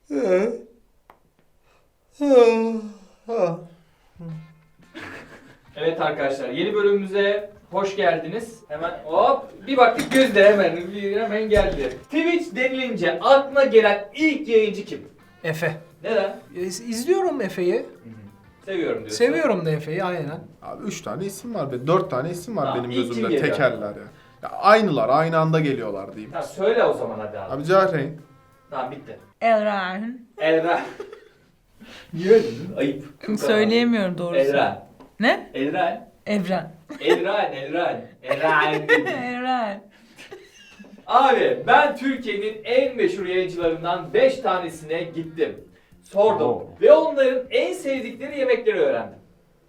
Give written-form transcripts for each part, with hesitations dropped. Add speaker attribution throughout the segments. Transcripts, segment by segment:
Speaker 1: Evet arkadaşlar, yeni bölümümüze hoş geldiniz. Hemen hop bir baktık Gözde hemen geldi. Twitch denilince aklına gelen ilk yayıncı kim?
Speaker 2: Efe.
Speaker 1: Neden?
Speaker 2: İzliyorum Efe'yi.
Speaker 1: Seviyorum diyorsun.
Speaker 2: Seviyorum da Efe'yi aynen.
Speaker 3: Abi 3 tane isim var. 4 tane isim var
Speaker 1: Tamam,
Speaker 3: benim
Speaker 1: ilk kim
Speaker 3: gözümde.
Speaker 1: geliyor?
Speaker 3: Tekerler ya. Ya aynılar, aynı anda geliyorlar diyeyim.
Speaker 1: Tamam söyle o zaman hadi abi.
Speaker 3: Abi Cahreyn.
Speaker 1: Tamam bitti.
Speaker 4: Elran.
Speaker 1: Elra. Niye öyle dedin? Ayıp.
Speaker 4: Söyleyemiyorum doğrusu.
Speaker 1: Elra.
Speaker 4: Ne?
Speaker 1: Elra.
Speaker 4: Evren.
Speaker 1: Elran. Elran.
Speaker 4: Evren.
Speaker 1: Abi ben Türkiye'nin en meşhur yayıncılarından 5 tanesine gittim. Sordum ve onların en sevdikleri yemekleri öğrendim.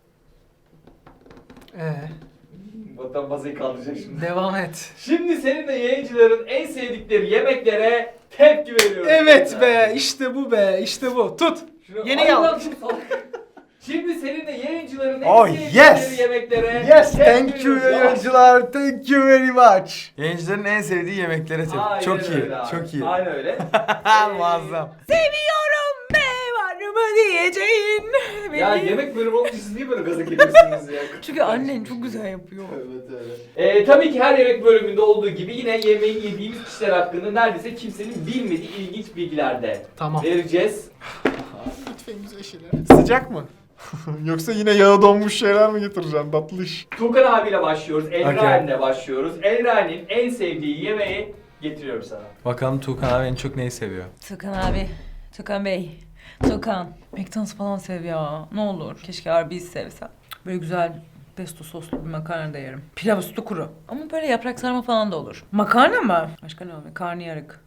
Speaker 1: Vatan bazayı kaldıracak şimdi.
Speaker 2: Devam et.
Speaker 1: Şimdi senin de yayıncıların en sevdikleri yemeklere tepki veriyorum.
Speaker 2: Evet be, işte bu be, işte bu. Tut. Yeni
Speaker 1: Ay
Speaker 2: yal.
Speaker 1: lan, dur salak. Şimdi senin de yayıncıların en
Speaker 5: Oh,
Speaker 1: sevdikleri
Speaker 5: yes!
Speaker 1: yemeklere
Speaker 5: Yes,
Speaker 1: tepki
Speaker 5: thank you
Speaker 1: veriyorum.
Speaker 5: yayıncılar. Thank you very much. Yayıncıların en sevdiği yemeklere
Speaker 1: Aynen
Speaker 5: çok iyi.
Speaker 1: öyle abi.
Speaker 5: Çok iyi.
Speaker 1: Aynen öyle.
Speaker 5: Muazzam.
Speaker 4: Seviyorum be var mı diyeceğin.
Speaker 1: Ya yemek bölümü olunca siz niye böyle gaza geliyorsunuz ya?
Speaker 4: Çünkü annen çok güzel yapıyor.
Speaker 1: Evet öyle. Tabii ki her yemek bölümünde olduğu gibi yine yemeği yediğimiz kişiler hakkında neredeyse kimsenin bilmediği ilginç bilgiler de
Speaker 2: Tamam.
Speaker 1: vereceğiz.
Speaker 3: Lütfen güzel şeyler. Sıcak mı? Yoksa yine yağı donmuş şeyler mi getireceksin? Tatlı iş.
Speaker 1: Tuğkan abiyle başlıyoruz, Elrain'le
Speaker 5: Okay.
Speaker 1: başlıyoruz. Elrain'in en sevdiği yemeği getiriyorum sana.
Speaker 5: Bakalım Tuğkan abi en çok neyi seviyor?
Speaker 4: Tukan abi. Tukan Bey. Tukan. McDonald's falan sev ya. Ne olur. Keşke Arby's sevsem. Böyle güzel pesto soslu bir makarna da yerim. Pilav üstü kuru. Ama böyle yaprak sarma falan da olur. Makarna mı? Başka ne olur? Karnıyarık.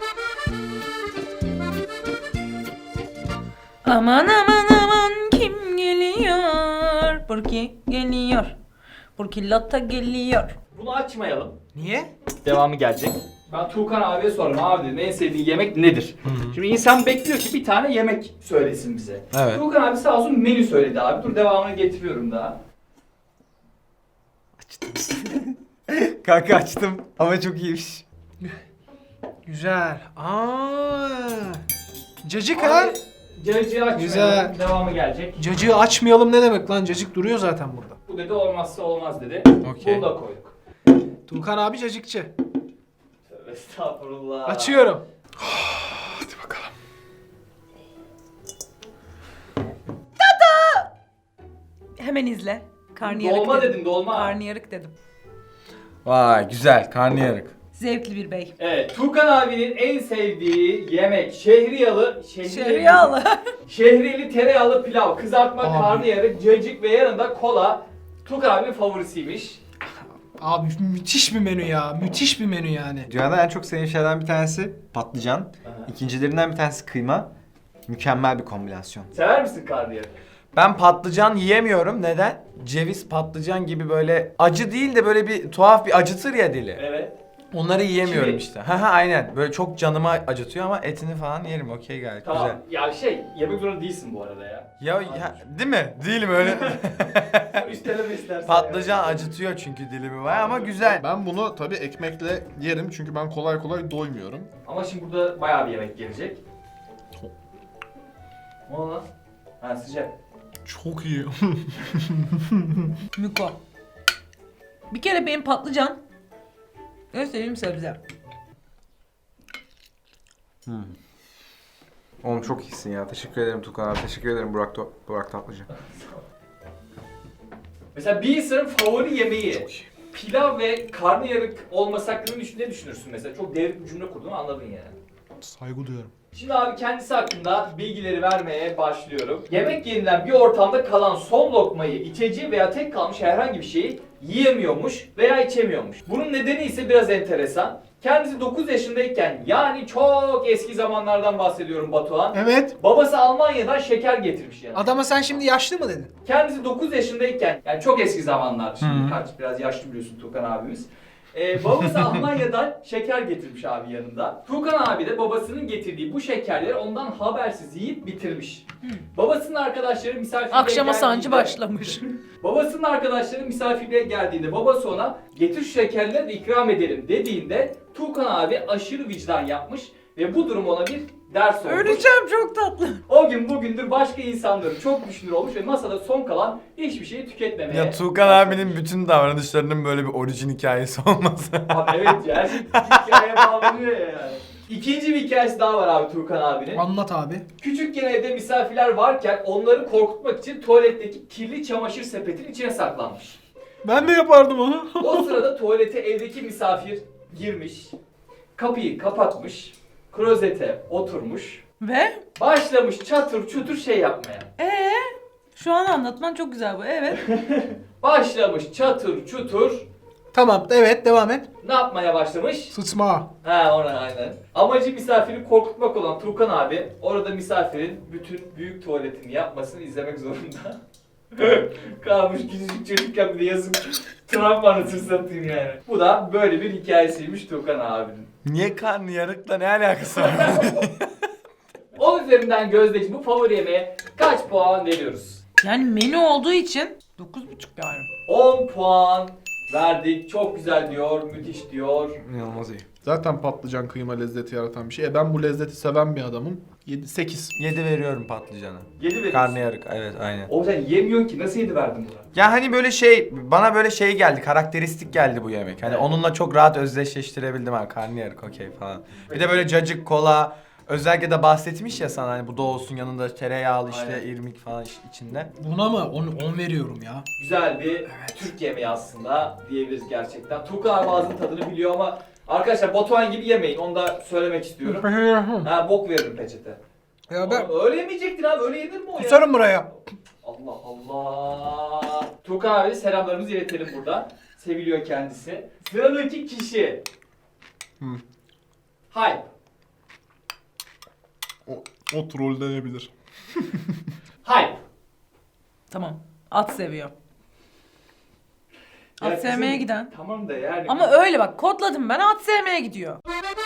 Speaker 4: Aman aman aman kim geliyor? Burki geliyor. Burki Lotta geliyor.
Speaker 1: Bunu açmayalım.
Speaker 2: Niye?
Speaker 1: Devamı gelecek. Ben Tuğkan abiye sordum. Abi dedim en sevdiğin yemek nedir? Şimdi insan bekliyor ki bir tane yemek söylesin bize.
Speaker 5: Evet.
Speaker 1: Tuğkan abi sağ olsun menü söyledi abi. Dur devamını getiriyorum daha.
Speaker 5: Kanka açtım ama çok iyiymiş.
Speaker 2: Güzel. Cacık ha?
Speaker 1: Abi, cacığı açmayalım.
Speaker 2: Güzel.
Speaker 1: Devamı gelecek.
Speaker 2: Cacığı açmayalım ne demek lan? Cacık duruyor zaten burada.
Speaker 1: Bu dedi olmazsa olmaz dedi.
Speaker 5: Okey.
Speaker 1: Bunu da koyduk.
Speaker 2: Tuğkan abi cacıkçı.
Speaker 1: Tövbe estağfurullah.
Speaker 2: Açıyorum.
Speaker 3: Hadi bakalım.
Speaker 4: Hemen izle. Karnıyarık
Speaker 1: Dolma
Speaker 4: dedim.
Speaker 1: dedim dolma.
Speaker 4: Karnıyarık dedim.
Speaker 5: Vay güzel karnıyarık.
Speaker 4: Zevkli bir bey.
Speaker 1: Evet, Tuğkan abinin en sevdiği yemek şehriyalı,
Speaker 4: Şeriyalı.
Speaker 1: şehriyeli tereyağlı pilav, kızartma,
Speaker 2: Abi.
Speaker 1: karnıyarık, cacık ve yanında kola. Tuğkan abinin favorisiymiş.
Speaker 2: Abi müthiş bir menü ya. Müthiş bir menü yani.
Speaker 5: Dünyada en çok sevdiğim şeylerden bir tanesi patlıcan. İkincilerinden bir tanesi kıyma. Mükemmel bir kombinasyon.
Speaker 1: Sever misin karnıyarık?
Speaker 5: Ben patlıcan yiyemiyorum. Neden? Ceviz, patlıcan gibi böyle acı değil de böyle bir tuhaf bir acıtır ya dili.
Speaker 1: Evet.
Speaker 5: Onları yiyemiyorum
Speaker 1: Kimi?
Speaker 5: işte. Ha aynen. Böyle çok canıma acıtıyor ama etini falan yerim. Okey gayet
Speaker 1: Tamam.
Speaker 5: güzel.
Speaker 1: Ya yemek zorunda değilsin bu arada ya.
Speaker 5: Ya değil mi? Değilim öyle.
Speaker 1: Üsteleme istersen.
Speaker 5: Patlıcan
Speaker 1: ya.
Speaker 5: acıtıyor çünkü dilimi var ama güzel.
Speaker 3: Ben bunu tabii ekmekle yerim çünkü ben kolay kolay doymuyorum.
Speaker 1: Ama şimdi burada bayağı bir yemek gelecek. Ne oldu lan? Ha sıcak.
Speaker 3: Çok iyi.
Speaker 4: Miko. Bir kere benim patlıcan en sevdiğim sebze.
Speaker 5: Oğlum çok iyisin ya. Teşekkür ederim Tukan abi. Teşekkür ederim Burak Tatlıcı.
Speaker 1: Mesela bir insanın favori yemeği pilav ve karnıyarık olması hakkında ne düşünürsün mesela? Çok devrik bir cümle kurdum anladın yani.
Speaker 3: Saygı duyuyorum.
Speaker 1: Şimdi abi kendisi hakkında bilgileri vermeye başlıyorum. Yemek yenilen bir ortamda kalan son lokmayı, içeceği veya tek kalmış herhangi bir şeyi yiyemiyormuş veya içemiyormuş. Bunun nedeni ise biraz enteresan. Kendisi 9 yaşındayken yani çok eski zamanlardan bahsediyorum Batuhan.
Speaker 2: Evet.
Speaker 1: Babası Almanya'dan şeker getirmiş yani.
Speaker 2: Adama sen şimdi yaşlı mı dedin?
Speaker 1: Kendisi 9 yaşındayken yani çok eski zamanlar şimdi kaç biraz yaşlı biliyorsun Tukan abimiz. Babası Almanya'dan şeker getirmiş abi yanında. Tukan abi de babasının getirdiği bu şekerleri ondan habersiz yiyip bitirmiş. Babasının arkadaşları misafirliğe
Speaker 4: Akşama sancı
Speaker 1: geldiğinde-
Speaker 4: başlamış.
Speaker 1: Babasının arkadaşları misafirliğe geldiğinde babası ona getir şu şekerleri de ikram edelim dediğinde Tukan abi aşırı vicdan yapmış ve bu durum ona bir ders olmuş.
Speaker 4: Öleceğim, çok tatlı.
Speaker 1: O gün bugündür başka insanların çok düşünür olmuş ve masada son kalan hiçbir şeyi tüketmemeye.
Speaker 5: Ya Tuğkan abinin bütün davranışlarının böyle bir orijin hikayesi olması.
Speaker 1: Abi evet ya, her şey hikayeye bağlanıyor ya yani. İkinci bir hikayesi daha var abi Tuğkan abinin.
Speaker 2: Anlat abi.
Speaker 1: Küçükken evde misafirler varken onları korkutmak için tuvaletteki kirli çamaşır sepetin içine saklanmış.
Speaker 2: Ben de yapardım onu.
Speaker 1: O sırada tuvalete evdeki misafir girmiş, kapıyı kapatmış, klozete oturmuş,
Speaker 4: Ve?
Speaker 1: başlamış çatır çutur şey yapmaya.
Speaker 4: Şu an anlatman çok güzel bu, evet.
Speaker 1: Başlamış çatır çutur
Speaker 2: Tamam, evet, devam et.
Speaker 1: ne yapmaya başlamış?
Speaker 2: Sıçma.
Speaker 1: Ha, ona aynen. Amacı misafiri korkutmak olan Tuğkan abi orada misafirin bütün büyük tuvaletini yapmasını izlemek zorunda. Kalmış küçücük çocukken bir de yazık travma anasını satayım yani. Bu da böyle bir hikayesiymiş Tuğkan abinin.
Speaker 5: Niye karnı yarıkla ne alakası var?
Speaker 1: 10 üzerinden Gözde'cim bu favori yemeğe kaç puan veriyoruz?
Speaker 4: Yani menü olduğu için 9,5 yani.
Speaker 1: 10 puan verdik. Çok güzel diyor, müthiş diyor.
Speaker 5: İnanılmaz iyi.
Speaker 3: Zaten patlıcan kıyma lezzeti yaratan bir şey. Ben bu lezzeti seven bir adamım. 8.
Speaker 5: 7 veriyorum patlıcana.
Speaker 1: 7 veriyorsun.
Speaker 5: Karnıyarık, evet aynen.
Speaker 1: O sen yemiyorsun ki, nasıl 7 verdin buna?
Speaker 5: Ya hani böyle şey, bana böyle şey geldi, karakteristik geldi bu yemek. Hani
Speaker 1: Evet.
Speaker 5: onunla çok rahat özdeşleştirebildim ha, karnıyarık okey falan. Bir de böyle cacık, kola, özellikle de bahsetmiş ya sana hani bu da olsun yanında tereyağlı işte
Speaker 1: Aynen.
Speaker 5: irmik falan içinde.
Speaker 2: Buna mı? 10 veriyorum ya.
Speaker 1: Güzel bir Türk yemeği aslında diyebiliriz gerçekten. Tuğkan abi ağzının tadını biliyor ama arkadaşlar Batuhan gibi yemeyin, onu da söylemek istiyorum. Ha, bok veririm peçete.
Speaker 2: Ya ben
Speaker 1: Oğlum, öyle yemeyecektin abi, öyle yenir mi o ya?
Speaker 2: kusarım buraya.
Speaker 1: Allah Allah. Tuğkan abi selamlarımızı iletelim burada. Seviliyor kendisi. Sıradaki kişi. Hype.
Speaker 3: O troll denebilir.
Speaker 1: Hype.
Speaker 4: Tamam. At seviyor. At
Speaker 1: Ya
Speaker 4: sevmeye
Speaker 1: kızım,
Speaker 4: giden.
Speaker 1: Tamam da yani.
Speaker 4: Ama öyle bak, kodladım ben, at sevmeye gidiyor.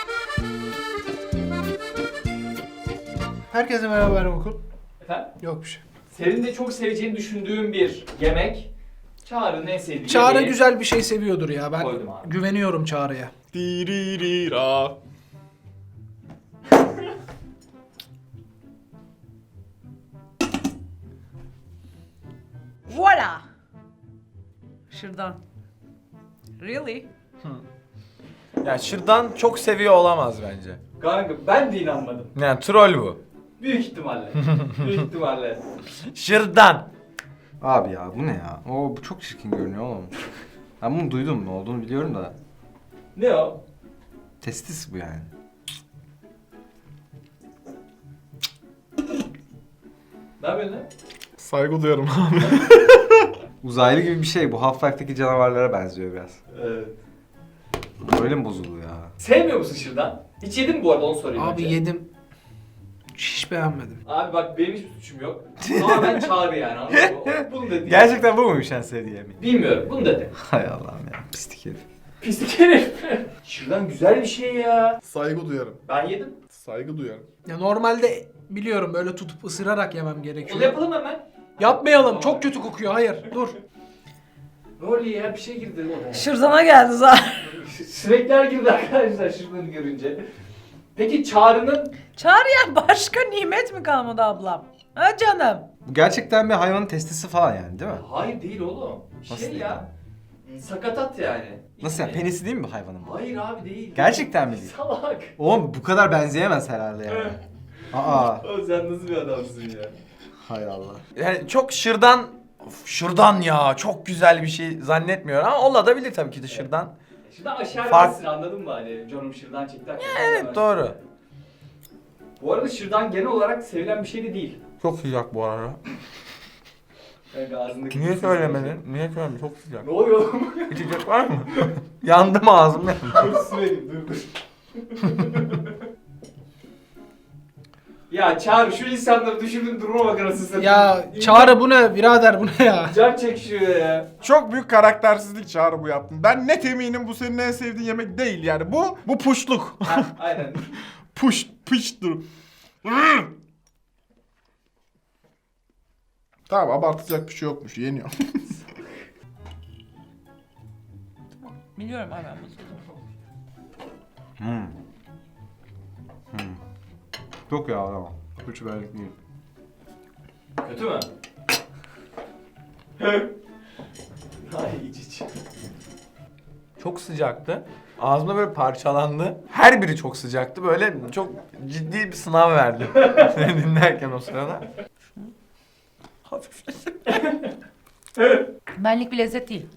Speaker 2: Herkese merhaba, ben Okul.
Speaker 1: Efendim?
Speaker 2: Yok bir şey.
Speaker 1: Senin de çok seveceğini düşündüğüm bir yemek. Çağrı'nın en sevdiği
Speaker 2: Çağrı
Speaker 1: yemeği
Speaker 2: güzel bir şey seviyordur ya. Ben
Speaker 1: koydum abi.
Speaker 2: güveniyorum Çağrı'ya.
Speaker 3: Diririra.
Speaker 4: Voila! Şırdan. Really?
Speaker 5: Ya şırdan çok seviyor olamaz bence.
Speaker 1: Kanka ben de inanmadım.
Speaker 5: Yani troll bu.
Speaker 1: Büyük ihtimalle. Büyük ihtimalle.
Speaker 5: Şırdan.
Speaker 6: Abi ya bu ne ya? O bu çok çirkin görünüyor oğlum. Ben bunu duydum, ne olduğunu biliyorum da.
Speaker 1: Ne o?
Speaker 6: Testis bu yani.
Speaker 1: Ne yapıyorsun lan?
Speaker 3: Saygı duyarım abi.
Speaker 6: Uzaylı gibi bir şey bu. Half-Life'daki canavarlara benziyor biraz.
Speaker 1: Evet.
Speaker 6: Öyle mi bozuluyor ya?
Speaker 1: Sevmiyor musun şırdan? Hiç yedin mi bu arada, onu sorayım
Speaker 2: Abi
Speaker 1: önce.
Speaker 2: yedim. Hiç beğenmedim.
Speaker 1: Abi bak benim hiçbir suçum yok. Ama ben Çağrı yani, anladın mı? Bunu dedi.
Speaker 5: Gerçekten bu muymuş en sevdiği yemeği?
Speaker 1: Bilmiyorum, bunu dedi.
Speaker 6: Hay Allah'ım ya, pislik herif.
Speaker 1: Pislik herif. Şırdan güzel bir şey ya.
Speaker 3: Saygı duyarım.
Speaker 1: Ben yedim.
Speaker 3: Saygı duyarım.
Speaker 2: Ya normalde biliyorum böyle tutup ısırarak yemem
Speaker 1: Onu
Speaker 2: gerekiyor.
Speaker 1: yapalım hemen.
Speaker 2: Yapmayalım. Çok kötü kokuyor. Hayır. Dur.
Speaker 1: Ne oluyor ya, bir şey girdi oraya.
Speaker 4: Şırdana geldi zaten.
Speaker 1: Sinekler girdi arkadaşlar şırdanı görünce. Peki Çağrı'nın
Speaker 4: Çağrı'ya başka nimet mi kalmadı ablam? Ha canım?
Speaker 6: Bu gerçekten bir hayvanın testisi falan yani değil mi?
Speaker 1: hayır değil oğlum.
Speaker 6: Nasıl
Speaker 1: Şey
Speaker 6: değil
Speaker 1: ya. Sakatat yani.
Speaker 6: Nasıl yani?
Speaker 1: İçine-
Speaker 6: Penisi değil mi bu hayvanın?
Speaker 1: Hayır abi değil.
Speaker 6: Gerçekten mi değil?
Speaker 1: Salak.
Speaker 6: Oğlum bu kadar benzeyemez herhalde yani. Aa,
Speaker 1: O sen nasıl bir adamsın ya?
Speaker 6: hay Allah.
Speaker 5: Yani çok şırdan, of, şırdan ya çok güzel bir şey zannetmiyorum ama olabilir tabii ki de şırdan.
Speaker 1: Şırdan aşağı
Speaker 5: Fark-
Speaker 1: versin, anladın mı hani? Canım şırdan çekti.
Speaker 5: Evet doğru.
Speaker 1: Bu arada şırdan genel olarak sevilen bir şey de değil.
Speaker 5: Çok sıcak bu arada.
Speaker 1: Yani ağzındaki
Speaker 5: Niye söylemedin? Niye söylemedin? Çok sıcak.
Speaker 1: Ne oluyor oğlum?
Speaker 5: İçecek var mı? Yandım ağzım.
Speaker 1: Dur sürelim, dur. Ya Çağrı, şu insanları düşürdüğün duruma bak anasını satayım.
Speaker 2: Ya Çağrı bu ne birader, bu ne ya?
Speaker 1: Can çekişiyor ya.
Speaker 3: Çok büyük karaktersizlik Çağrı bu yaptın. Ben net eminim bu senin en sevdiğin yemek değil yani. Bu puşluk.
Speaker 1: Ha, aynen.
Speaker 3: Pıştır. Tamam, abartacak bir şey yokmuş. Yeniyor.
Speaker 4: Biliyorum abi ben bunu.
Speaker 6: Çok yağlı ama. Hiç benlik değil.
Speaker 1: Kötü mü? Ay iç.
Speaker 5: Çok sıcaktı. Ağzımda böyle parçalandı. Her biri çok sıcaktı. Böyle çok ciddi bir sınav verdim. Seni dinlerken o sırada. Hafif.
Speaker 4: Benlik bir lezzet değil.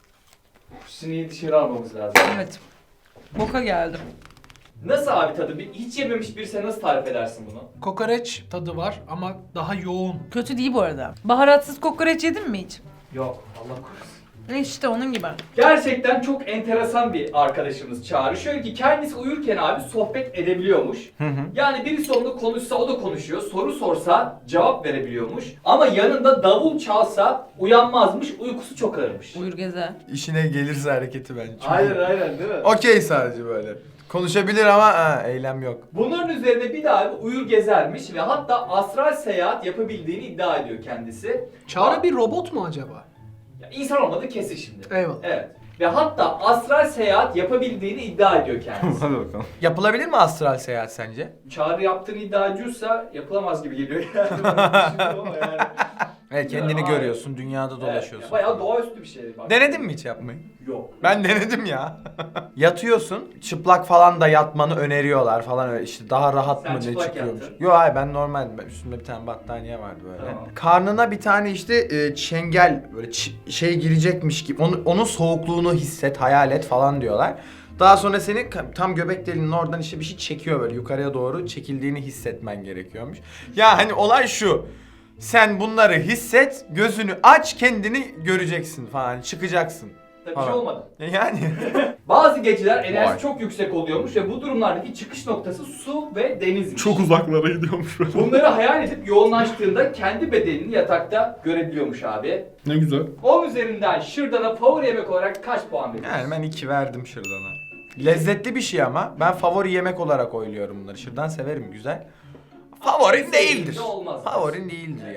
Speaker 1: Sineği dışarı almamız lazım.
Speaker 4: Evet. Boka geldim.
Speaker 1: Nasıl abi tadı? Hiç yememiş birisi nasıl tarif edersin bunu?
Speaker 2: Kokoreç tadı var ama daha yoğun.
Speaker 4: Kötü değil bu arada. Baharatsız kokoreç yedin mi hiç?
Speaker 1: Yok, Allah korusun.
Speaker 4: İşte onun gibi.
Speaker 1: Gerçekten çok enteresan bir arkadaşımız Çağrı. Şöyle ki kendisi uyurken abi sohbet edebiliyormuş. Yani birisi onunla konuşsa o da konuşuyor. Soru sorsa cevap verebiliyormuş. Ama yanında davul çalsa uyanmazmış. Uykusu çok ağırmış.
Speaker 4: Uyur gezer.
Speaker 5: İşine gelirse hareketi bence. Çok
Speaker 1: Aynen
Speaker 5: iyi.
Speaker 1: aynen değil mi?
Speaker 5: Okey sadece böyle. Konuşabilir ama eylem yok.
Speaker 1: Bunların üzerine bir daha bir uyur gezermiş ve hatta astral seyahat yapabildiğini iddia ediyor kendisi.
Speaker 2: Çağrı bir robot mu acaba?
Speaker 1: Ya insan olmadığı kesin şimdi.
Speaker 2: Eyvallah.
Speaker 1: Evet. Ve hatta astral seyahat yapabildiğini iddia ediyor kendisi.
Speaker 6: Hadi bakalım.
Speaker 5: Yapılabilir mi astral seyahat sence?
Speaker 1: Çağrı yaptığını iddia ediyorsa yapılamaz gibi geliyor yani. Ben düşünüyorum ama yani.
Speaker 5: Evet, kendini
Speaker 1: Bilmiyorum,
Speaker 5: görüyorsun, dünyada dolaşıyorsun.
Speaker 1: Evet, bayağı doğaüstü bir şey. Bak.
Speaker 5: Denedin mi hiç yapmayı?
Speaker 1: Yok.
Speaker 5: Ben denedim ya. Yatıyorsun, çıplak falan da yatmanı öneriyorlar falan öyle işte daha rahat
Speaker 1: Sen
Speaker 5: mı ne
Speaker 1: çıplak
Speaker 5: çıkıyormuş.
Speaker 1: yattın.
Speaker 5: Yok hayır ben normal üstümde bir tane battaniye vardı böyle.
Speaker 1: Tamam.
Speaker 5: Karnına bir tane işte çengel böyle şey girecekmiş gibi onun soğukluğunu hisset, hayal et falan diyorlar. Daha sonra seni tam göbek deliğinin oradan işte bir şey çekiyor böyle yukarıya doğru çekildiğini hissetmen gerekiyormuş. Ya hani olay şu. Sen bunları hisset, gözünü aç, kendini göreceksin falan, çıkacaksın.
Speaker 1: Tabii bir şey
Speaker 5: Falan.
Speaker 1: olmadı.
Speaker 5: Yani
Speaker 1: Bazı geceler enerjisi
Speaker 5: Vay.
Speaker 1: çok yüksek oluyormuş ve bu durumlardaki çıkış noktası su ve denizmiş.
Speaker 3: Çok uzaklara gidiyormuş böyle.
Speaker 1: Bunları hayal edip yoğunlaştığında kendi bedenini yatakta görebiliyormuş abi.
Speaker 3: Ne güzel.
Speaker 1: 10 üzerinden şırdana favori yemek olarak kaç puan veriyorsun?
Speaker 5: Yani ben 2 verdim şırdana. Lezzetli bir şey ama ben favori yemek olarak oyluyorum bunları. Şırdan severim güzel. Favorin değildir.
Speaker 1: Olmaz.
Speaker 5: Favorin değildir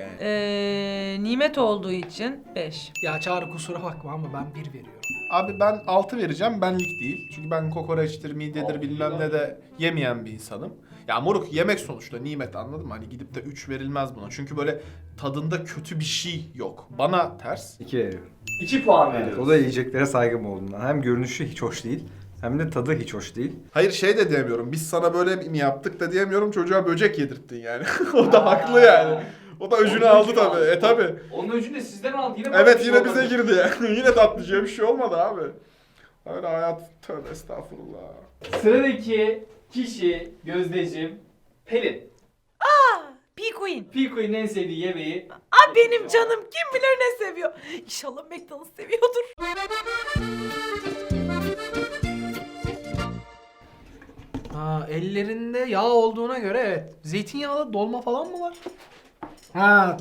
Speaker 5: yani.
Speaker 4: Nimet olduğu için 5.
Speaker 2: Ya Çağrı kusura bakma ama ben 1 veriyorum.
Speaker 3: Abi ben 6 vereceğim, benlik değil. Çünkü ben kokoreçtir, midedir
Speaker 1: Altı
Speaker 3: bilmem
Speaker 1: ya.
Speaker 3: ne de yemeyen bir insanım. Ya moruk yemek sonuçta nimet, anladın mı? Hani gidip de 3 verilmez buna. Çünkü böyle tadında kötü bir şey yok. Bana ters.
Speaker 6: 2 veriyorum.
Speaker 1: 2 puan
Speaker 6: Evet,
Speaker 1: veriyoruz.
Speaker 6: o da yiyeceklere saygım olduğundan. Hem görünüşü hiç hoş değil, hem de tadı hiç hoş değil.
Speaker 3: Hayır şey de diyemiyorum. Biz sana böyle mi yaptık da diyemiyorum. Çocuğa böcek yedirttin yani. O da haklı yani. O da öcünü
Speaker 1: Onun
Speaker 3: aldı
Speaker 1: öcünü
Speaker 3: tabii.
Speaker 1: aldı.
Speaker 3: Tabii.
Speaker 1: Onun öcünü de sizden aldı. Yine bana bir
Speaker 3: Evet
Speaker 1: şey
Speaker 3: yine
Speaker 1: olmadı.
Speaker 3: bize girdi yani. Yine tatlıcıya bir şey olmadı abi. Öyle hayat, tövbe estağfurullah.
Speaker 1: Sıradaki kişi Gözdeciğim Pelin.
Speaker 4: P-Queen.
Speaker 1: Pilko'nun en sevdiği yemeği.
Speaker 4: Aa benim canım kim bilir ne seviyor. İnşallah McDonald's seviyordur.
Speaker 2: Ha, ellerinde yağ olduğuna göre evet. Zeytinyağlı dolma falan mı var? Ha.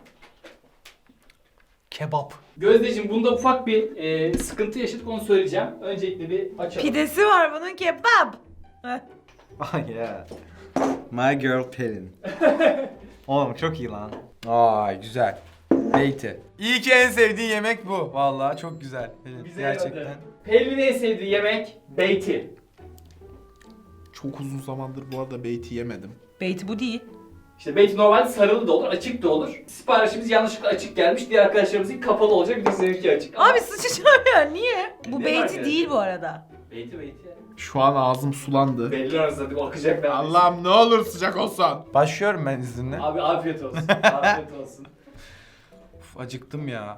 Speaker 2: Kebap.
Speaker 1: Gözdeciğim bunda ufak bir sıkıntı yaşadık onu söyleyeceğim. Öncelikle bir açalım.
Speaker 4: Pidesi var bunun kebap. Heh.
Speaker 6: Ah yeah. My girl Pelin. Oğlum çok iyi lan.
Speaker 5: Ay güzel. Beyti. İyi ki en sevdiğin yemek bu. Vallahi çok güzel. Evet,
Speaker 1: Bize
Speaker 5: gerçekten.
Speaker 1: yaradı. Pelin'in en sevdiği yemek beyti.
Speaker 3: Çok uzun zamandır bu arada beyti yemedim.
Speaker 4: Beyti bu değil.
Speaker 1: İşte beyti normalde sarılı da olur, açık da olur. Siparişimiz yanlışlıkla açık gelmiş. Diğer arkadaşlarımızın kapalı olacak. Bir de seninki açık. Ama
Speaker 4: Abi sıçacağım ya niye? Bu
Speaker 1: Ne
Speaker 4: beyti
Speaker 1: var
Speaker 4: değil
Speaker 1: yani?
Speaker 4: bu arada.
Speaker 1: beyti beyti ya.
Speaker 3: Şu an ağzım sulandı.
Speaker 1: Belli arasında akacak neredeyse.
Speaker 3: Allah'ım ne olur sıcak olsan.
Speaker 5: Başlıyorum ben izninle.
Speaker 1: Abi afiyet olsun. Afiyet olsun.
Speaker 5: Uf, acıktım ya.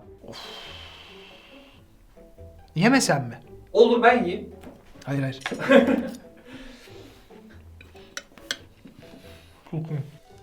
Speaker 2: Yemesem mi?
Speaker 1: Olur ben yiyeyim.
Speaker 2: Hayır hayır. Çok iyi.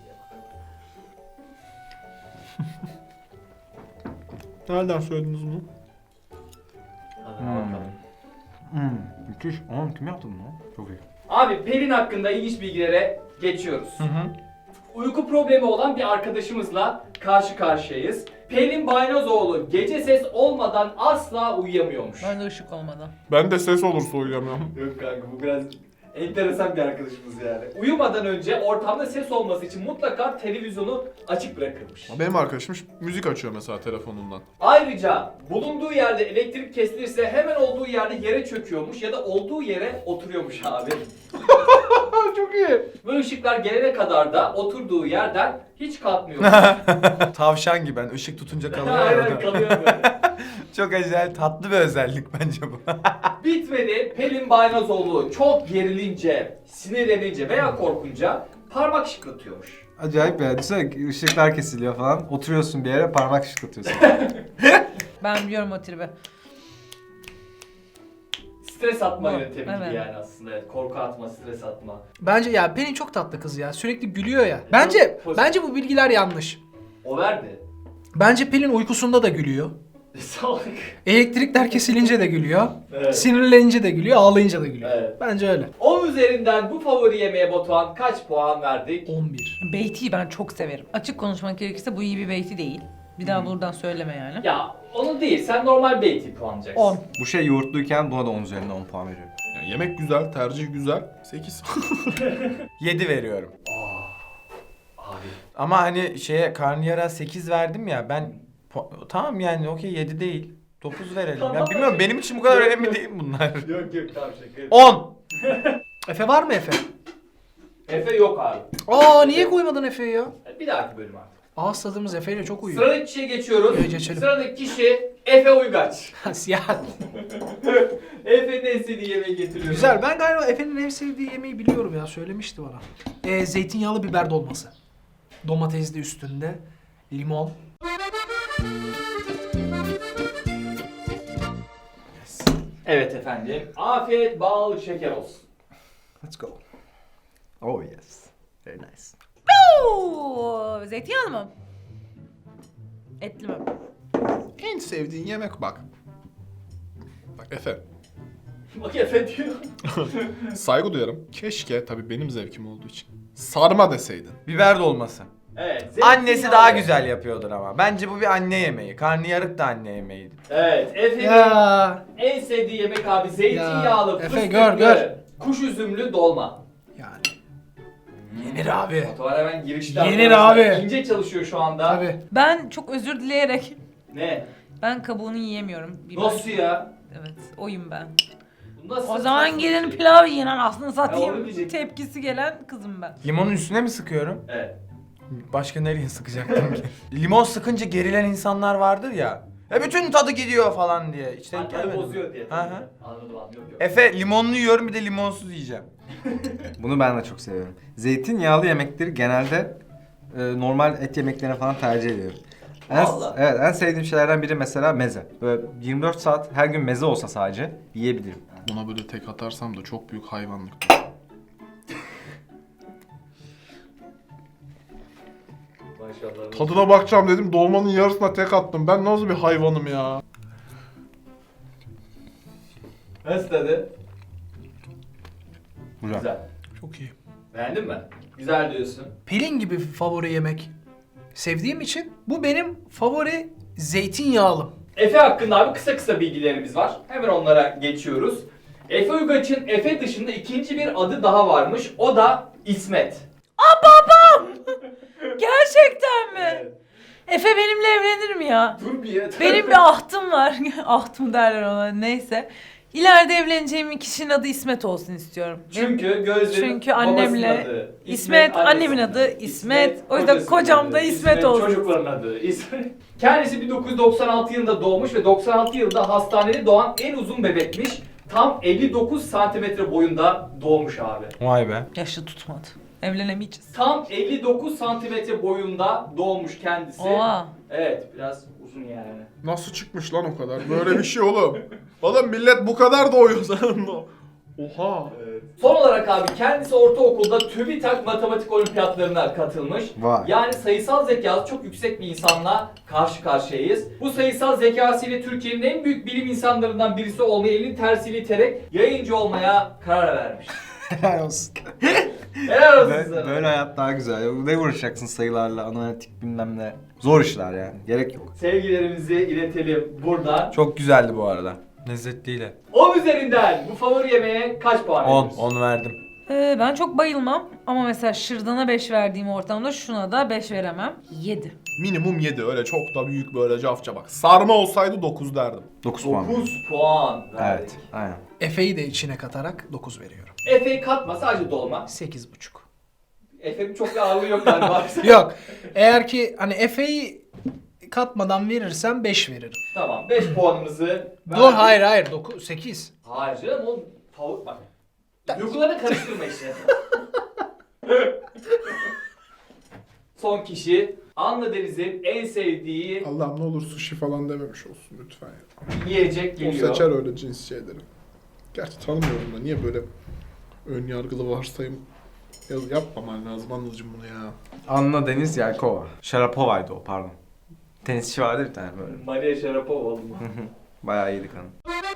Speaker 3: Nereden söylediniz bunu?
Speaker 1: Hadi bakalım.
Speaker 6: Müthiş. Oğlum kim yaptı bunu? Çok iyi.
Speaker 1: Abi Pelin hakkında ilginç bilgilere geçiyoruz.
Speaker 5: Hı hı.
Speaker 1: Uyku problemi olan bir arkadaşımızla karşı karşıyayız. Pelin Baynozoğlu gece ses olmadan asla uyuyamıyormuş.
Speaker 4: Ben de ışık olmadan.
Speaker 3: Ben de ses olursa uyuyamıyorum.
Speaker 1: Yok kanka bu biraz enteresan bir arkadaşımız yani. Uyumadan önce ortamda ses olması için mutlaka televizyonu açık bırakırmış.
Speaker 3: Benim arkadaşım müzik açıyor mesela telefonundan.
Speaker 1: Ayrıca bulunduğu yerde elektrik kesilirse hemen olduğu yerde yere çöküyormuş ya da olduğu yere oturuyormuş abi.
Speaker 2: çok iyi.
Speaker 1: Ve ışıklar gelene kadar da oturduğu yerden hiç kalkmıyor.
Speaker 5: Tavşan gibi ben ışık tutunca kalıyor
Speaker 1: Aynen
Speaker 5: orada.
Speaker 1: kalıyor böyle.
Speaker 5: Çok acayip tatlı bir özellik bence bu.
Speaker 1: Bitmedi. Pelin Baynazoğlu çok gerilince, sinirlenince veya korkunca parmak şıklatıyormuş.
Speaker 6: Acayip ya. Düşünsene ışıklar kesiliyor falan. Oturuyorsun bir yere parmak şıklatıyorsun.
Speaker 4: Ben biliyorum o tribi.
Speaker 1: Stres atma
Speaker 4: Bu,
Speaker 1: yöntemi gibi
Speaker 4: evet.
Speaker 1: yani aslında. Evet, korku atma, stres atma.
Speaker 2: Bence ya Pelin çok tatlı kız ya. Sürekli gülüyor ya. Bence bu bilgiler yanlış.
Speaker 1: O verdi.
Speaker 2: Bence Pelin uykusunda da gülüyor.
Speaker 1: Salak.
Speaker 2: Elektrikler kesilince de gülüyor.
Speaker 1: Evet.
Speaker 2: Sinirlenince de gülüyor, ağlayınca da gülüyor.
Speaker 1: Evet.
Speaker 2: Bence öyle.
Speaker 1: 10 üzerinden bu favori yemeğe Batuhan kaç puan verdik?
Speaker 2: 11.
Speaker 4: Beyti'yi ben çok severim. Açık konuşmak gerekirse bu iyi bir beyti değil. Bir daha buradan söyleme yani.
Speaker 1: Ya onu değil, sen normal beyti puanlayacaksın.
Speaker 4: 10.
Speaker 6: Bu şey yoğurtluyken buna da 10 üzerinden 10 puan veriyorum.
Speaker 3: Yani yemek güzel, tercih güzel. 8.
Speaker 5: 7 veriyorum.
Speaker 1: Abi.
Speaker 5: Ama hani karnıyara 8 verdim ya ben tamam yani okey 7 değil. 9 verelim.
Speaker 1: Tamam.
Speaker 5: Ya bilmiyorum benim için bu kadar
Speaker 1: Yok,
Speaker 5: önemli
Speaker 1: yok.
Speaker 5: değil bunlar.
Speaker 1: Yok yok tamam şaka.
Speaker 5: 10.
Speaker 2: Efe var mı Efe?
Speaker 1: Efe yok abi.
Speaker 2: Aa niye koymadın Efe'yi ya?
Speaker 1: Bir dahaki bölüm artık.
Speaker 2: Ağız tadımız Efe ile çok uyuyor.
Speaker 1: Sıradaki kişiye geçiyoruz.
Speaker 2: Evet, geçelim.
Speaker 1: Sıradaki kişi Efe Uygaç.
Speaker 2: Siyah.
Speaker 1: Efe'nin en sevdiği yemeği getiriyorum.
Speaker 2: Güzel. Ben galiba Efe'nin en sevdiği yemeği biliyorum ya. Söylemişti bana. Zeytinyağlı biber dolması. Domatesli üstünde. Limon.
Speaker 1: Evet efendim. Afiyet bal şeker olsun.
Speaker 6: Let's go. Oh yes. Very nice.
Speaker 4: Oo, zeytinyağlı mı? Etli mi?
Speaker 3: En sevdiğin yemek bak. Bak Efe.
Speaker 1: Bak Efe diyor.
Speaker 3: Saygı duyarım. Keşke tabii benim zevkim olduğu için. Sarma deseydin.
Speaker 5: Biber dolması.
Speaker 1: Evet.
Speaker 5: Annesi
Speaker 1: zeytinyağlı.
Speaker 5: daha güzel yapıyordur ama. Bence bu bir anne yemeği. Karnıyarık da anne yemeğiydi.
Speaker 1: Evet. Efe'nin
Speaker 2: Ya.
Speaker 1: en sevdiği yemek abi zeytinyağlı,
Speaker 2: Ya, Efe,
Speaker 1: fıstıklı,
Speaker 2: gör.
Speaker 1: kuş üzümlü dolma.
Speaker 2: Yani. Yenir abi.
Speaker 1: Batuhan hemen girişten.
Speaker 2: Yenir
Speaker 1: arkadaşlar.
Speaker 2: abi.
Speaker 1: İnce çalışıyor şu anda.
Speaker 2: Tabii.
Speaker 4: Ben çok özür dileyerek
Speaker 1: Ne?
Speaker 4: ben kabuğunu yiyemiyorum. Biber.
Speaker 1: Nasıl ya?
Speaker 4: Evet, oyum ben.
Speaker 1: Bu nasıl
Speaker 4: O zaman
Speaker 1: saçma
Speaker 4: gelin
Speaker 1: bir şey?
Speaker 4: pilav yiyin aslında
Speaker 1: Ya onu
Speaker 4: satayım.
Speaker 1: diyecektim.
Speaker 4: Tepkisi gelen kızım ben.
Speaker 5: Limonun üstüne mi sıkıyorum?
Speaker 1: Evet.
Speaker 5: Başka nereye sıkacaktım ki? Limon sıkınca gerilen insanlar vardır ya. Bütün tadı gidiyor falan diye. İşte
Speaker 1: Tadı bozuyor diye.
Speaker 5: Hı hı.
Speaker 1: Anladım abi. Yok yok.
Speaker 5: Efe limonlu yiyorum bir de limonsuz yiyeceğim.
Speaker 6: Bunu ben de çok seviyorum. Zeytinyağlı yemekleri genelde normal et yemeklerine falan tercih ediyorum.
Speaker 1: Vallahi.
Speaker 6: Evet, en sevdiğim şeylerden biri mesela meze. Böyle 24 saat her gün meze olsa sadece yiyebilirim.
Speaker 3: Buna böyle tek atarsam da çok büyük hayvanlık.
Speaker 1: Maşallah.
Speaker 3: Tadına bakacağım dedim, dolmanın yarısına tek attım. Ben nasıl bir hayvanım ya?
Speaker 1: Nasıl tadı?
Speaker 6: Güzel.
Speaker 1: Güzel.
Speaker 2: Çok iyi.
Speaker 1: Beğendin mi? Güzel diyorsun.
Speaker 2: Pelin gibi favori yemek sevdiğim için bu benim favori zeytinyağlım.
Speaker 1: Efe hakkında abi kısa kısa bilgilerimiz var. Hemen onlara geçiyoruz. Efe Uygaç'ın Efe dışında ikinci bir adı daha varmış. O da İsmet.
Speaker 4: Gerçekten mi? Efe benimle evlenir mi ya?
Speaker 1: Dur bir ya.
Speaker 4: Benim bir ahtım var. Ahtım derler ona neyse. İleride evleneceğim kişinin adı İsmet olsun istiyorum.
Speaker 1: Çünkü gözlerin
Speaker 4: Çünkü annemle
Speaker 1: babasının adı.
Speaker 4: İsmet, annemin
Speaker 1: annesinin
Speaker 4: adı İsmet. O yüzden
Speaker 1: kocasının
Speaker 4: kocam
Speaker 1: adı,
Speaker 4: da İsmet olsun.
Speaker 1: Çocukların adı İsmet. Kendisi 1996 yılında doğmuş ve 96 yılında hastanede doğan en uzun bebekmiş. Tam 59 santimetre boyunda doğmuş abi.
Speaker 5: Vay be.
Speaker 4: Yaşlı tutmadı. Evlenemeyeceğiz.
Speaker 1: Tam 59 santimetre boyunda doğmuş kendisi.
Speaker 4: Oha.
Speaker 1: Evet, biraz uzun yani.
Speaker 3: Nasıl çıkmış lan o kadar? Böyle bir şey oğlum. Oğlum millet bu kadar doğuyor sanırım. Oha.
Speaker 1: Son olarak abi kendisi ortaokulda TÜBİTAK matematik olimpiyatlarına katılmış.
Speaker 6: Vay.
Speaker 1: Yani sayısal zekası çok yüksek bir insanla karşı karşıyayız. Bu sayısal zekasıyla Türkiye'nin en büyük bilim insanlarından birisi olmayı elinin tersiyle iterek yayıncı olmaya karar vermiş.
Speaker 6: Helal olsun.
Speaker 1: Helal olsun sana.
Speaker 6: Böyle hayat daha güzel. Ne uğraşacaksın sayılarla, analitik bilmem ne. Zor işler yani. Gerek yok.
Speaker 1: Sevgilerimizi iletelim buradan.
Speaker 5: Çok güzeldi bu arada. Lezzetliyle.
Speaker 1: 10 üzerinden bu favori yemeğe kaç puan
Speaker 5: 10.
Speaker 1: veriyorsun?
Speaker 5: 10 verdim.
Speaker 4: Ben çok bayılmam ama mesela şırdana 5 verdiğim ortamda şuna da 5 veremem. 7.
Speaker 3: Minimum 7, öyle çok da büyük böyle cafça bak. Sarma olsaydı 9 derdim.
Speaker 6: 9 puan.
Speaker 1: 9 puan verdik.
Speaker 6: Evet, aynen.
Speaker 2: Efe'yi de içine katarak 9 veriyorum.
Speaker 1: Efe'yi katma, sadece dolma.
Speaker 2: 8,5.
Speaker 1: Efe'nin çok bir ağırlığı yok galiba.
Speaker 2: Yok. Eğer ki hani Efe'yi katmadan verirsem 5 veririm.
Speaker 1: Tamam, 5 puanımızı
Speaker 2: Dur hayır 9 8.
Speaker 1: Hayır canım, o tavuk bak. Duygularını karıştırma işte. Son kişi Anla Deniz'in en sevdiği
Speaker 3: Allah'ım ne olur sushi falan dememiş olsun lütfen ya.
Speaker 1: yiyecek
Speaker 3: O
Speaker 1: geliyor.
Speaker 3: seçer öyle cins şeyleri. Gerçi tanımıyorum da niye böyle ön yargılı varsayım yapmaman lazım Anılcım bunu ya.
Speaker 6: Anna Deniz Yelkova. Sharapova'ydı o, pardon. Tenisçi vardı bir tane böyle.
Speaker 1: Maria Sharapova oldu mu?
Speaker 6: Bayağı iyiydi kanı.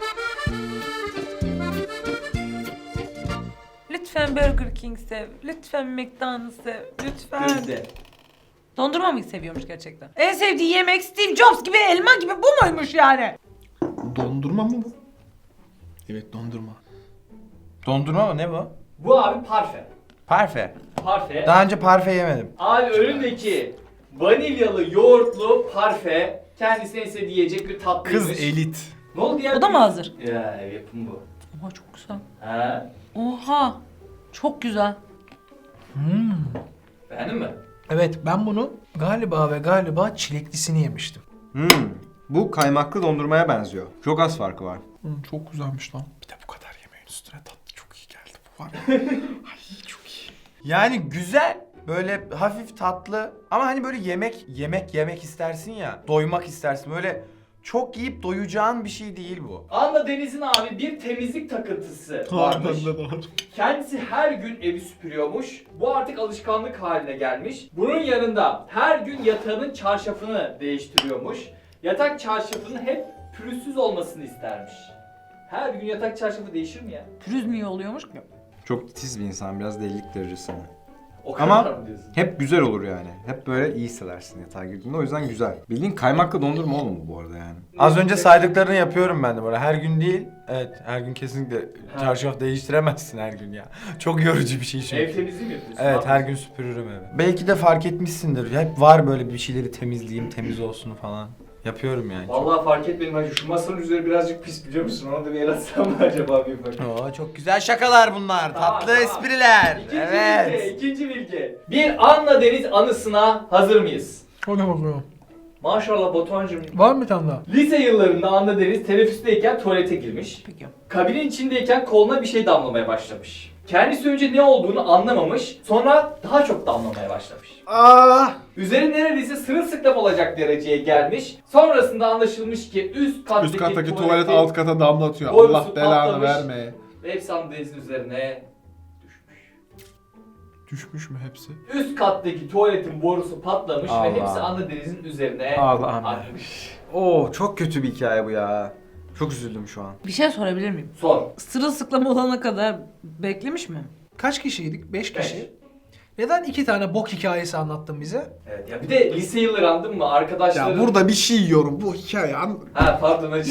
Speaker 4: Lütfen Burger King sev. Lütfen McDonald's sev. Lütfen.
Speaker 1: Gözde.
Speaker 4: Dondurma mı seviyormuş gerçekten? En sevdiği yemek Steve Jobs gibi elma gibi bu muymuş yani?
Speaker 3: Dondurma mı bu? Evet dondurma.
Speaker 5: Dondurma mı ne bu?
Speaker 1: Bu abi parfe.
Speaker 5: Parfe.
Speaker 1: Parfe.
Speaker 5: Daha önce parfe yemedim.
Speaker 1: Abi önündeki vanilyalı yoğurtlu parfe kendisine en sevdiği yiyecek bir tatlıymış.
Speaker 3: Kız elit.
Speaker 1: Ne oldu ya?
Speaker 4: O da mı hazır?
Speaker 1: Ya yapım bu.
Speaker 4: Oha çok güzel.
Speaker 1: Ha?
Speaker 4: Oha. Çok güzel.
Speaker 1: Beğendin mi?
Speaker 2: Evet ben bunu galiba çileklisini yemiştim.
Speaker 6: Bu kaymaklı dondurmaya benziyor. Çok az farkı var.
Speaker 3: Çok güzelmiş lan. Bir de bu kadar yemeğin üstüne tatlı çok iyi geldi bu var ya. Ay çok iyi.
Speaker 5: Yani güzel. Böyle hafif tatlı ama hani böyle yemek istersin ya. Doymak istersin. Böyle çok yiyip doyacağın bir şey değil bu.
Speaker 1: Anla Deniz'in abi bir temizlik takıntısı varmış.
Speaker 3: Harbiden de var.
Speaker 1: Kendisi her gün evi süpürüyormuş. Bu artık alışkanlık haline gelmiş. Bunun yanında her gün yatağının çarşafını değiştiriyormuş. Yatak çarşafının hep pürüzsüz olmasını istermiş. Her gün yatak çarşafı değişir mi ya?
Speaker 4: Pürüz mü iyi oluyormuş ki?
Speaker 6: Çok titiz bir insan, biraz delilik derecesinde.
Speaker 1: O kadar
Speaker 6: Ama
Speaker 1: mı diyorsun?
Speaker 6: hep güzel olur yani. Hep böyle iyi hissedersin yatağa girdiğinde. O yüzden güzel. Bildiğin kaymaklı dondurma oğlum bu arada yani.
Speaker 5: Az önce saydıklarını yapıyorum ben de böyle. Her gün değil. Evet her gün kesinlikle çarşaf değiştiremezsin her gün ya. Çok yorucu bir şey çünkü.
Speaker 1: Ev temizliği mi yapıyorsun?
Speaker 5: Evet
Speaker 1: Ne
Speaker 5: her
Speaker 1: yapıyorsun?
Speaker 5: gün süpürürüm evi. Belki de fark etmişsindir. Hep var böyle bir şeyleri temizleyeyim, temiz olsun falan. Yapıyorum yani.
Speaker 1: Vallahi fark etmedim hacı. Şu masanın üzeri birazcık pis biliyor musun? Onu da bir el atsam mı acaba bir bak.
Speaker 5: Oo, çok güzel şakalar bunlar.
Speaker 1: Tamam,
Speaker 5: Tatlı
Speaker 1: tamam.
Speaker 5: espriler.
Speaker 1: İkinci
Speaker 5: Evet.
Speaker 1: bilgi, ikinci bilgi. Bir Anla Deniz anısına hazır mıyız?
Speaker 2: O ne bakıyor?
Speaker 1: Maşallah Batuhan'cığım.
Speaker 2: Var mı bir tane daha?
Speaker 1: Lise yıllarında Anla Deniz teneffüsteyken tuvalete girmiş.
Speaker 4: Peki.
Speaker 1: Kabinin içindeyken koluna bir şey damlamaya başlamış. Kendisi önce ne olduğunu anlamamış, sonra daha çok damlamaya başlamış. Üzeri neredeyse sırılsıklam olacak dereceye gelmiş. Sonrasında anlaşılmış ki üst kattaki,
Speaker 3: tuvalet alt kata damlatıyor.
Speaker 1: borusu
Speaker 3: Allah belanı
Speaker 1: patlamış.
Speaker 3: vermeye.
Speaker 1: Ve hepsi Anla Deniz'in üzerine düşmüş.
Speaker 3: Düşmüş mü hepsi?
Speaker 1: Üst kattaki tuvaletin borusu patlamış
Speaker 6: Allah.
Speaker 1: ve hepsi Anla Deniz'in üzerine
Speaker 6: Allah'ım.
Speaker 1: akmış.
Speaker 6: Oo çok kötü bir hikaye bu ya. Çok üzüldüm şu an.
Speaker 4: Bir şey sorabilir miyim?
Speaker 1: Sor.
Speaker 4: Sırılsıklam olana kadar beklemiş mi?
Speaker 2: Kaç kişiydik? 5
Speaker 1: Beş.
Speaker 2: kişi. Neden 2 tane bok hikayesi anlattın bize?
Speaker 1: Evet ya bir de lise yılları andın mı arkadaşların...
Speaker 3: Ya burada bir şey yiyorum bu hikaye.
Speaker 1: Ha pardon hacı.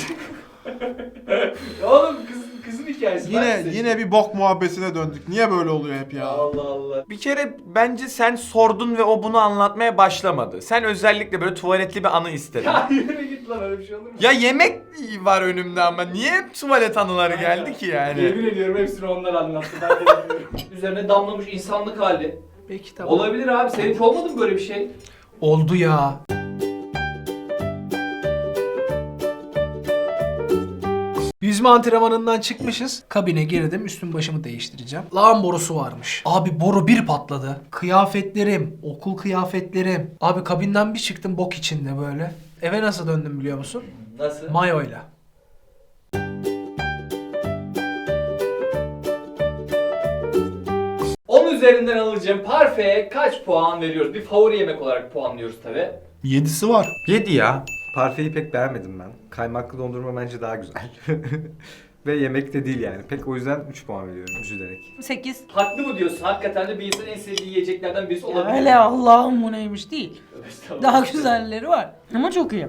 Speaker 1: Ya oğlum kızın hikayesi. ben de
Speaker 3: Yine
Speaker 1: seçtim.
Speaker 3: yine bir bok muhabbetine döndük. Niye böyle oluyor hep ya?
Speaker 1: Allah Allah.
Speaker 5: Bir kere bence sen sordun ve o bunu anlatmaya başlamadı. Sen özellikle böyle tuvaletli bir anı istedin.
Speaker 1: Ya yürü git lan öyle bir şey olur mu?
Speaker 5: Ya yemek var önümde ama niye hep tuvalet anıları geldi ki yani?
Speaker 1: Yemin ediyorum hepsini onlar anlattı. Ben de bilmiyorum. Üzerine damlamış insanlık hali.
Speaker 2: Peki tamam.
Speaker 1: Olabilir abi. Senin hiç olmadı mı böyle bir şey?
Speaker 2: Oldu ya. Yüzme antrenmanından çıkmışız. Kabine girdim. Üstüm başımı değiştireceğim. Lağım borusu varmış. Abi boru bir patladı. Kıyafetlerim, okul kıyafetlerim. Abi kabinden bir çıktım bok içinde böyle. Eve nasıl döndüm biliyor musun?
Speaker 1: Nasıl?
Speaker 2: Mayoyla.
Speaker 1: Onun üzerinden alacağım parfeye kaç puan veriyoruz? Bir favori yemek olarak puanlıyoruz tabi.
Speaker 3: 7'si var.
Speaker 5: 7 ya.
Speaker 6: Parfeyi pek beğenmedim ben. Kaymaklı dondurma bence daha güzel. Ve yemek de değil yani. Pek o yüzden 3 puan veriyorum üzülerek.
Speaker 4: 8.
Speaker 1: Haklı mı diyorsun? Hakikaten de bir insanın en sevdiği yiyeceklerden birisi olabilir.
Speaker 4: Öyle Allah'ım bu neymiş değil.
Speaker 1: Estağfurullah.
Speaker 4: Daha güzelleri var. Ama çok iyi.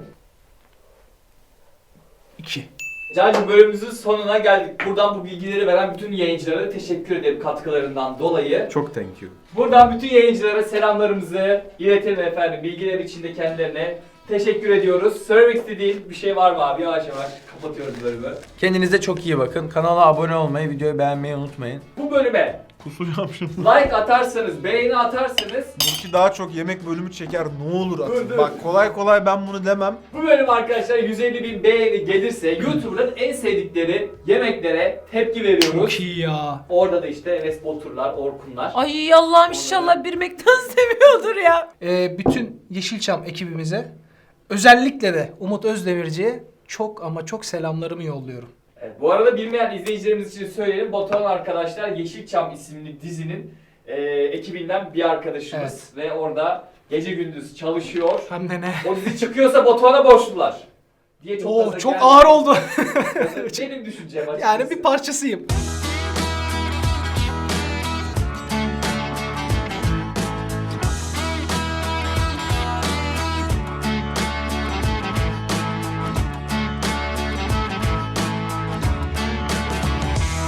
Speaker 2: 2.
Speaker 1: Cancığım bölümümüzün sonuna geldik. Buradan bu bilgileri veren bütün yayıncılara teşekkür ederim katkılarından dolayı.
Speaker 6: Çok thank you.
Speaker 1: Buradan bütün yayıncılara selamlarımızı iletelim efendim. Bilgiler için de kendilerine teşekkür ediyoruz. Söylemek istediğin bir şey var mı abi? Yavaş yavaş kapatıyoruz bölümü.
Speaker 5: Kendinize çok iyi bakın. Kanala abone olmayı, videoyu beğenmeyi unutmayın.
Speaker 1: Bu bölüme
Speaker 3: Kusacağım şimdi.
Speaker 1: like atarsanız, beğeni atarsanız
Speaker 3: Burki daha çok yemek bölümü çeker, ne olur atın.
Speaker 1: Dur, dur.
Speaker 3: Bak kolay kolay ben bunu demem.
Speaker 1: bu bölüm arkadaşlar 150.000 beğeni gelirse YouTuber'ın en sevdikleri yemeklere tepki veriyoruz.
Speaker 2: Çok iyi ya.
Speaker 1: Orada da işte Enes Baturlar, Orkunlar.
Speaker 4: Ay Allah'ım inşallah bir McDonald's seviyordur ya.
Speaker 2: Bütün Yeşilçam ekibimize, özellikle de Umut Özdemirci'ye çok ama çok selamlarımı yolluyorum.
Speaker 1: Evet, bu arada bilmeyen izleyicilerimiz için söyleyelim. Batuhan arkadaşlar Yeşilçam isimli dizinin ekibinden bir arkadaşımız. Ve orada gece gündüz çalışıyor.
Speaker 2: Hem de ne?
Speaker 1: O dizi çıkıyorsa Batuhan'a borçlular. Diye çok
Speaker 2: Oo,
Speaker 1: gaza
Speaker 2: çok
Speaker 1: geldi.
Speaker 2: ağır oldu.
Speaker 1: Benim düşüncem açıkçası.
Speaker 2: Yani bir parçasıyım.